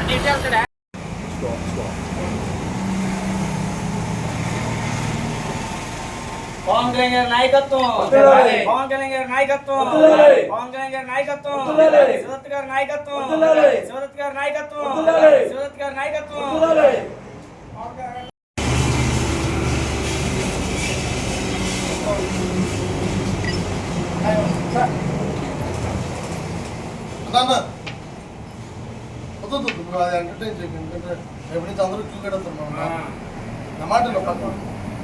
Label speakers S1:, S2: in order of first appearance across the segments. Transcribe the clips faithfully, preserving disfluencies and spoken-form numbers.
S1: పవన్ కళ్యాణ్ గారి నాయకత్వం, పవన్ కళ్యాణ్ గారి నాయకత్వం, పవన్ కళ్యాణ్ గారి నాయకత్వం, శివదత్ గారి నాయకత్వం, శివదత్ గారి నాయకత్వం, శివదత్ గారి నాయకత్వం.
S2: ఎంటర్టైన్ చేయండి, ఎందుకంటే రేపు నుంచి అందరూ క్యూ కడతారు. నా మాట పక్కన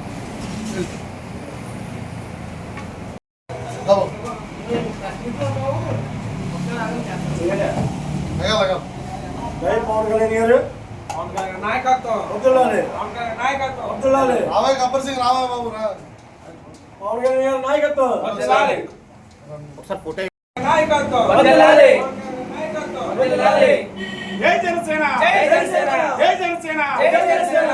S3: పవన్ కళ్యాణ్ గారు
S1: నాయకత్వం,
S2: రావే గబ్బర్ సింగ్ రావా బాబు రా.
S3: పవన్ కళ్యాణ్ గారు నాయకత్వం,
S1: ఒకసారి ఫోటో
S3: జై జనసేన, జై జనసేన, జై జనసేన, జై జనసేన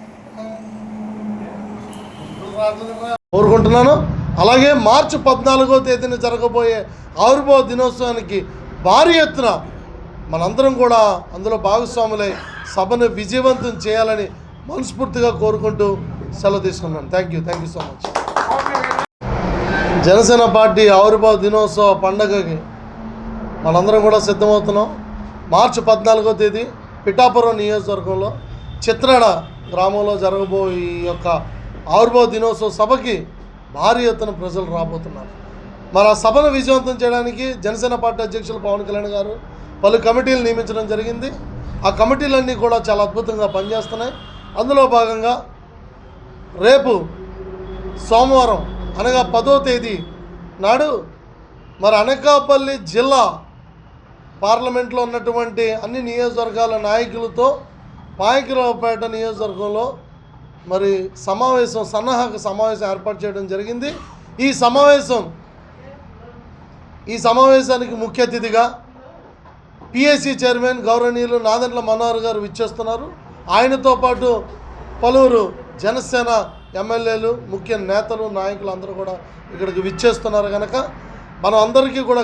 S2: కోరుకుంటున్నాను. అలాగే మార్చి పద్నాలుగో తేదీన జరగబోయే ఆవిర్భావ దినోత్సవానికి భారీ ఎత్తున మనందరం కూడా అందులో భాగస్వాములై సభను విజయవంతం చేయాలని మనస్ఫూర్తిగా కోరుకుంటూ సెలవు తీసుకున్నాను. Thank you thank you so much. Janasena party ఆవిర్భావ దినోత్సవ పండగకి మనందరం కూడా సిద్ధమవుతున్నాం. మార్చి పద్నాలుగో తేదీ పిఠాపురం నియోజకవర్గంలో చిత్రాడ గ్రామంలో జరగబోయే ఈ యొక్క ఆవిర్భావ దినోత్సవ సభకి భారీ ఎత్తున ప్రజలు రాబోతున్నారు. మరి ఆ సభను విజయవంతం చేయడానికి జనసేన పార్టీ అధ్యక్షులు పవన్ కళ్యాణ్ గారు పలు కమిటీలు నియమించడం జరిగింది. ఆ కమిటీలన్నీ కూడా చాలా అద్భుతంగా పనిచేస్తున్నాయి. అందులో భాగంగా రేపు సోమవారం అనగా పదో తేదీ నాడు మరి అనకాపల్లి జిల్లా పార్లమెంట్లో ఉన్నటువంటి అన్ని నియోజకవర్గాల నాయకులతో పాయకరావుపేట నియోజకవర్గంలో మరి సమావేశం సన్నాహక సమావేశం ఏర్పాటు చేయడం జరిగింది. ఈ సమావేశం ఈ సమావేశానికి ముఖ్య అతిథిగా పిఎస్సి చైర్మన్ గౌరవనీయులు నాదెండ్ల మనోహర్ గారు విచ్చేస్తున్నారు. ఆయనతో పాటు పలువురు జనసేన ఎమ్మెల్యేలు, ముఖ్య నేతలు, నాయకులు అందరూ కూడా ఇక్కడికి విచ్చేస్తున్నారు కనుక మనం అందరికీ కూడా